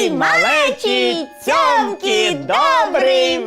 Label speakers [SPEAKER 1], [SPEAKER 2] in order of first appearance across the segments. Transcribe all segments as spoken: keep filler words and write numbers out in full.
[SPEAKER 1] Ой, малечі, цьомкі, добрий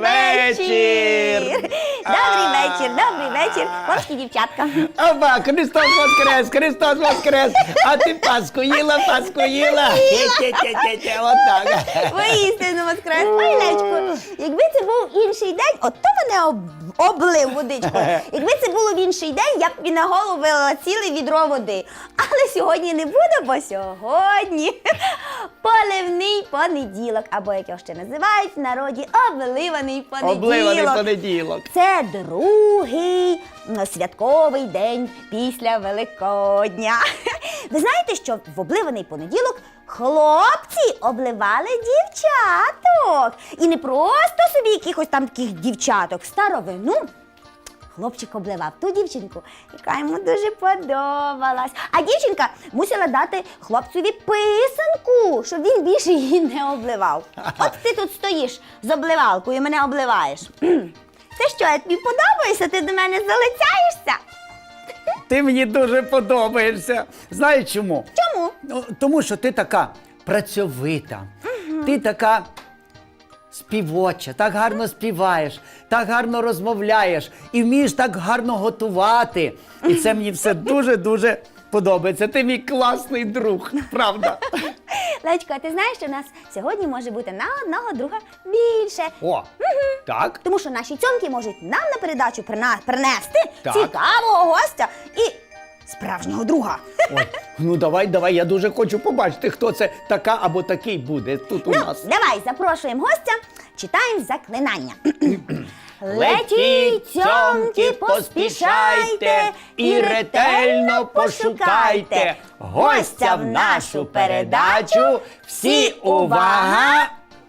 [SPEAKER 1] вечір!
[SPEAKER 2] Добрий вечір, добрий вечір, хлопці, дівчатка.
[SPEAKER 1] Оба, Христос воскрес, Христос воскрес! А ти Пасху їла, Пасху їла? Тє-тє-тє-тє, отак.
[SPEAKER 2] Воістину воскрес. Ой, Лечко, якби це був інший день, от то мене об... облив водичкою. Якби це було в інший день, я б тобі на голову вилила ціле відро води. Але сьогодні не буде, бо сьогодні поливний понеділок, або як його ще називають в народі, обливаний понеділок.
[SPEAKER 1] Обливаний понеділок.
[SPEAKER 2] Це другий м, святковий день після Великодня. Ви знаєте, що в обливаний понеділок хлопці обливали дівчаток. І не просто собі якихось там таких дівчаток, старовину. Хлопчик обливав ту дівчинку, яка йому дуже подобалась. А дівчинка мусила дати хлопцеві писанку, щоб він більше її не обливав. От ти тут стоїш з обливалкою і мене обливаєш. Це що, я тобі подобаюся? Ти до мене залицяєшся?
[SPEAKER 1] Ти мені дуже подобаєшся. Знаєш чому?
[SPEAKER 2] Чому?
[SPEAKER 1] Ну, тому що ти така працьовита, ти така співоча, так гарно співаєш, так гарно розмовляєш і вмієш так гарно готувати. І це мені все дуже-дуже подобається. Ти мій класний друг, правда?
[SPEAKER 2] Лечко, а ти знаєш, що у нас сьогодні може бути на одного друга більше?
[SPEAKER 1] О, так?
[SPEAKER 2] Тому що наші цьомки можуть нам на передачу прина- принести
[SPEAKER 1] Так.
[SPEAKER 2] цікавого гостя і справжнього друга.
[SPEAKER 1] Ой, ну давай, давай, я дуже хочу побачити, хто це така або такий буде тут у
[SPEAKER 2] Ну,
[SPEAKER 1] нас.
[SPEAKER 2] давай, запрошуємо гостя, читаємо заклинання.
[SPEAKER 1] Летіть, цьомки, поспішайте і ретельно пошукайте гостя в нашу передачу. Всі увага!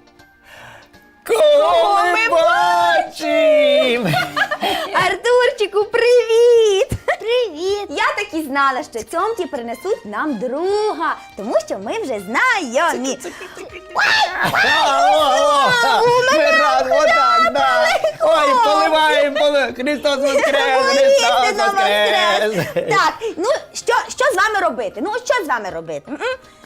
[SPEAKER 1] Кого ми бачимо?
[SPEAKER 2] Артурчику, привіт! Привіт! Я так і знала, що цьомки принесуть нам друга, тому що ми вже знайомі.
[SPEAKER 1] Ми разом, отак, да. Ой, поливаємо, поливаємо. Христос воскрес, Христос
[SPEAKER 2] Воістину
[SPEAKER 1] воскрес.
[SPEAKER 2] воскрес! Так, ну що, що з вами робити? Ну, що з вами робити? М-м?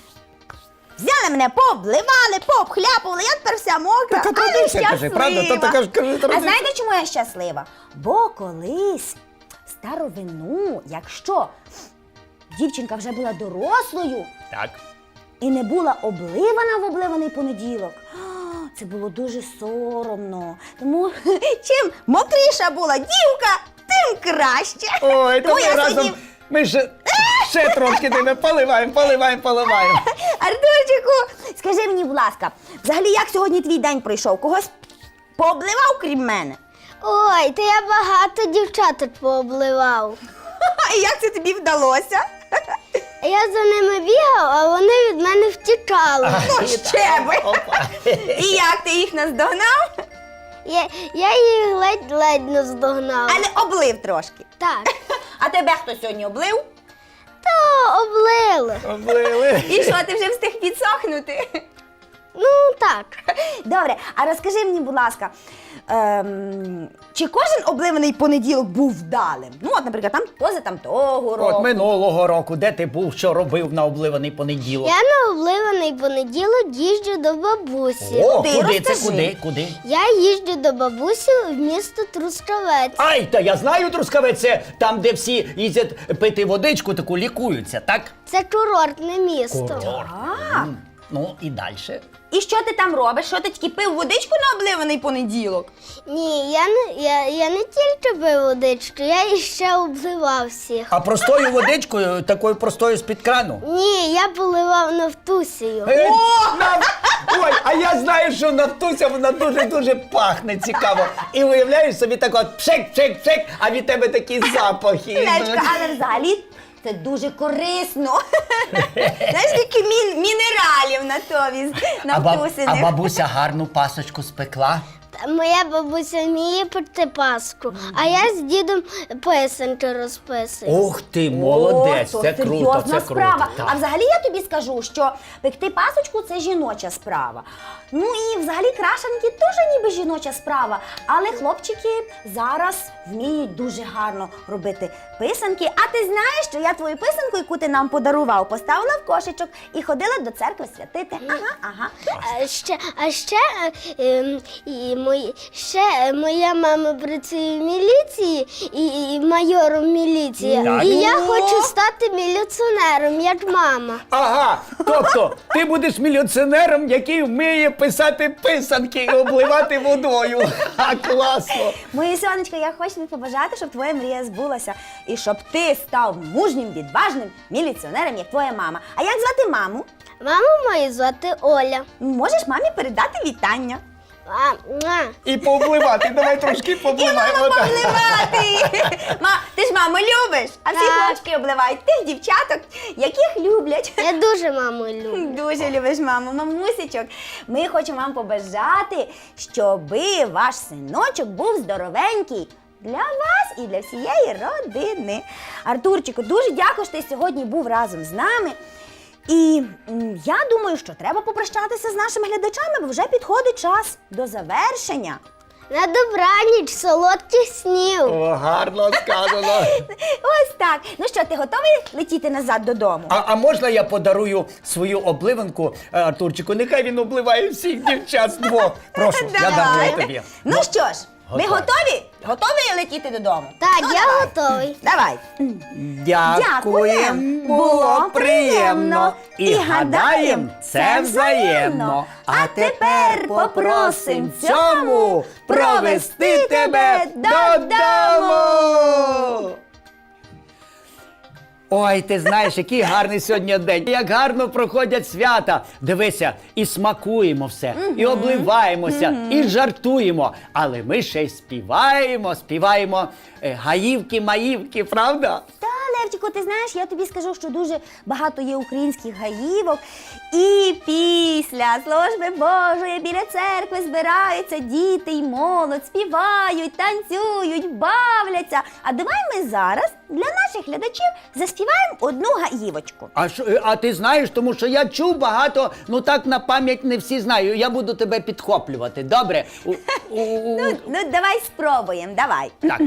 [SPEAKER 2] Взяли мене, пообливали, пообхляпували, я тепер вся мокра,
[SPEAKER 1] Така
[SPEAKER 2] але
[SPEAKER 1] традиція, кажи,
[SPEAKER 2] щаслива.
[SPEAKER 1] правда? То така ж, кажи,
[SPEAKER 2] А
[SPEAKER 1] традиція.
[SPEAKER 2] знаєте, чому я щаслива? Бо колись старовину, якщо дівчинка вже була дорослою
[SPEAKER 1] Так.
[SPEAKER 2] і не була обливана в обливаний понеділок, а, це було дуже соромно. Тому чим мокріша була дівка, тим краще.
[SPEAKER 1] Ой, то
[SPEAKER 2] Тому
[SPEAKER 1] ми
[SPEAKER 2] я
[SPEAKER 1] разом,
[SPEAKER 2] сьогодні-
[SPEAKER 1] ми ще, ще трошки тебе поливаємо, поливаємо, поливаємо.
[SPEAKER 2] Артурчику, скажи мені, будь ласка, взагалі як сьогодні твій день пройшов? Когось пообливав крім мене?
[SPEAKER 3] Ой, та я багато дівчаток пообливав.
[SPEAKER 2] І як це тобі вдалося?
[SPEAKER 3] Я за ними бігав, а вони від мене втікали.
[SPEAKER 2] Ну ще би!
[SPEAKER 1] Опа.
[SPEAKER 2] І як ти їх наздогнав?
[SPEAKER 3] Я, я їх ледь-ледь наздогнав.
[SPEAKER 2] Але облив трошки.
[SPEAKER 3] Так,
[SPEAKER 2] А тебе хто сьогодні облив?
[SPEAKER 3] то облили.
[SPEAKER 1] Облили.
[SPEAKER 2] І що, ти вже встиг підсохнути?
[SPEAKER 3] Ну так.
[SPEAKER 2] Добре, а розкажи мені, будь ласка, ем, чи кожен обливаний понеділок був вдалим? Ну, от, наприклад, там поза там того року.
[SPEAKER 1] От минулого року, де ти був, що робив на обливаний понеділок?
[SPEAKER 3] Я на обливаний понеділок їжджу до бабусі.
[SPEAKER 1] О,
[SPEAKER 2] Ти
[SPEAKER 1] куди це,
[SPEAKER 2] розкажи.
[SPEAKER 1] куди, куди?
[SPEAKER 3] Я їжджу до бабусі в місто Трускавець.
[SPEAKER 1] Ай, та я знаю, Трускавець, це там, де всі їздять пити водичку, таку лікуються, так?
[SPEAKER 3] Це курортне місто.
[SPEAKER 1] Курорт.
[SPEAKER 2] А,
[SPEAKER 1] М, Ну, і далі.
[SPEAKER 2] і що ти там робиш? Що ти тільки пив водичку на обливаний понеділок?
[SPEAKER 3] Ні, я не, я, я не тільки пив водичку, я іще обливав всіх.
[SPEAKER 1] А простою водичкою, такою простою з-під крану?
[SPEAKER 3] Ні, я поливав Нафтусію.
[SPEAKER 1] Е, на- Ой, а я знаю, що Нафтуся, вона дуже-дуже пахне цікаво. І уявляєш собі так от пшик, пшик, пшик, а від тебе такі запахи.
[SPEAKER 2] Лечка, але взагалі це дуже корисно. Знаєш, скільки мін- мінералів на тобі
[SPEAKER 1] А, баб-
[SPEAKER 2] навтусених.
[SPEAKER 1] а бабуся гарну пасочку спекла?
[SPEAKER 3] Моя бабуся вміє пекти паску, а я з дідом писанки розписую.
[SPEAKER 1] Ух ти, молодець,
[SPEAKER 2] О,
[SPEAKER 1] це
[SPEAKER 2] то
[SPEAKER 1] круто,
[SPEAKER 2] серйозна
[SPEAKER 1] це
[SPEAKER 2] справа.
[SPEAKER 1] круто. так.
[SPEAKER 2] А взагалі я тобі скажу, що пекти пасочку це жіноча справа. Ну і взагалі крашанки теж ніби жіноча справа. Але хлопчики зараз вміють дуже гарно робити писанки. А ти знаєш, що я твою писанку, яку ти нам подарував, поставила в кошечок і ходила до церкви святити. Ага, ага.
[SPEAKER 3] А ще, а ще, е, ем, і мої, ще е, моя мама працює в міліції і, і майором міліції.
[SPEAKER 1] Так.
[SPEAKER 3] І я
[SPEAKER 2] О!
[SPEAKER 3] хочу стати міліціонером, як мама.
[SPEAKER 1] Ага, тобто ти будеш міліціонером, який вміє писати писанки і обливати водою. Ха, класно.
[SPEAKER 2] Моє сонечко, я хочу тобі побажати, щоб твоя мрія збулася. І щоб ти став мужнім, відважним міліціонером, як твоя мама. А як звати маму?
[SPEAKER 3] Маму мою звати Оля.
[SPEAKER 2] Можеш мамі передати вітання.
[SPEAKER 3] А, муа.
[SPEAKER 1] І пообливати, давай трошки
[SPEAKER 2] І
[SPEAKER 1] пообливаємо.
[SPEAKER 2] маму
[SPEAKER 1] так.
[SPEAKER 2] обливати! Ма, ти ж маму любиш, а всі
[SPEAKER 3] Так.
[SPEAKER 2] хлопчики обливають тих дівчаток, яких люблять.
[SPEAKER 3] Я дуже маму люблю.
[SPEAKER 2] Дуже любиш маму, мамусечок. Ми хочемо вам побажати, щоби ваш синочок був здоровенький для вас і для всієї родини. Артурчику, дуже дякую, що ти сьогодні був разом з нами. І м, я думаю, що треба попрощатися з нашими глядачами, бо вже підходить час до завершення.
[SPEAKER 3] На добраніч, солодких снів.
[SPEAKER 1] О, гарно сказано.
[SPEAKER 2] Ось так. Ну що, ти готовий летіти назад додому?
[SPEAKER 1] А, а можна я подарую свою обливанку е, Артурчику? Нехай він обливає всіх дівчат з двох. Прошу, я дарую тобі.
[SPEAKER 2] Ну що ж, ви
[SPEAKER 1] готові.
[SPEAKER 2] готові? Готові летіти додому?
[SPEAKER 3] Так,
[SPEAKER 2] Ну,
[SPEAKER 3] я
[SPEAKER 2] давай.
[SPEAKER 3] готовий.
[SPEAKER 2] Давай.
[SPEAKER 1] Дякуєм, було приємно. І гадаєм, це взаємно. А тепер попросим цьому провести тебе додому. Ой, ти знаєш, який гарний сьогодні день, як гарно проходять свята. Дивися, і смакуємо все, і обливаємося, і жартуємо. Але ми ще й співаємо, співаємо е, гаївки-маївки, правда?
[SPEAKER 2] Та, Левчику, ти знаєш, я тобі скажу, що дуже багато є українських гаївок. І після служби Божої біля церкви збираються діти й молодь, співають, танцюють, бавляться. А давай ми зараз для наших глядачів заспіваємо одну гаївочку.
[SPEAKER 1] А, що, е, а ти знаєш, тому що я чув багато, ну так на пам'ять не всі знаю. Я буду тебе підхоплювати, добре? У, у, у,
[SPEAKER 2] Ну, ну давай спробуємо, давай.
[SPEAKER 1] так.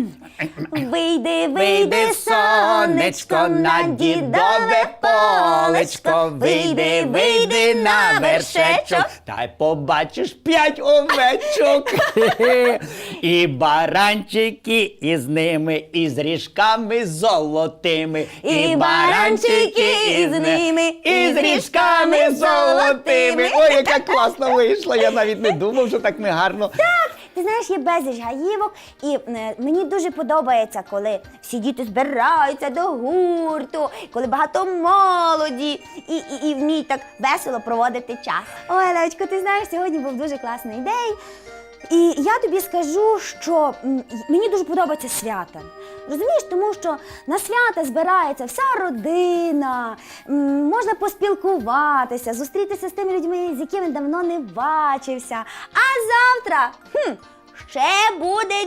[SPEAKER 2] Вийди,
[SPEAKER 1] Вийди,
[SPEAKER 2] вийди, сонечко, на дідове полечко. Вийди, вийди на вершечок.
[SPEAKER 1] та й побачиш п'ять овечок. Хе-хе. І баранчики із ними, і з ріжками золотими.
[SPEAKER 2] І баранчики із ними,
[SPEAKER 1] і з ріжками золотими. Ой, яка класно вийшла, я навіть не думав, що так ми гарно.
[SPEAKER 2] Ти знаєш, є безліч гаївок, і е, мені дуже подобається, коли всі діти збираються до гурту, коли багато молоді і, і, і вміють так весело проводити час. Ой, Левочко, ти знаєш, сьогодні був дуже класний день. І я тобі скажу, що м, мені дуже подобається свята. Розумієш, тому що на свята збирається вся родина, м, можна поспілкуватися, зустрітися з тими людьми, з якими давно не бачився. А завтра хм, ще буде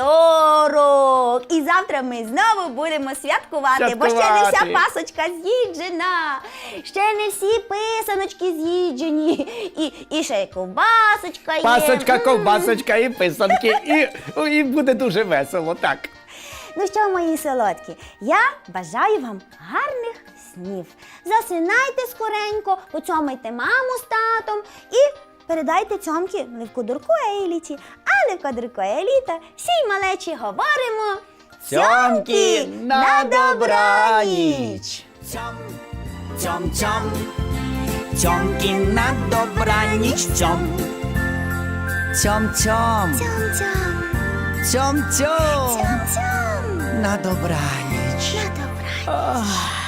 [SPEAKER 2] вівторок. І завтра ми знову будемо святкувати, бо ще не вся
[SPEAKER 1] Святкувати.
[SPEAKER 2] пасочка з'їджена, ще не всі писаночки з'їджені, і, і ще й ковбасочка є.
[SPEAKER 1] Пасочка,
[SPEAKER 2] М.
[SPEAKER 1] ковбасочка і писанки. І, і буде дуже весело, так.
[SPEAKER 2] Ну що, мої солодкі, я бажаю вам гарних снів. Засинайте скоренько, поцьомайте маму з татом і передайте цьомки Левкодурку Еліті. А Левкодурку Еліта всій малечі говоримо
[SPEAKER 1] Цьомки на добраніч.
[SPEAKER 4] Цьом, цьом, цьом, цьомки на добраніч, цьом. Цьом, цьом,
[SPEAKER 2] Цьом-цьом,
[SPEAKER 4] цьом, цьом,
[SPEAKER 2] цьом-цьом,
[SPEAKER 4] на добраніч.
[SPEAKER 2] на добраніч.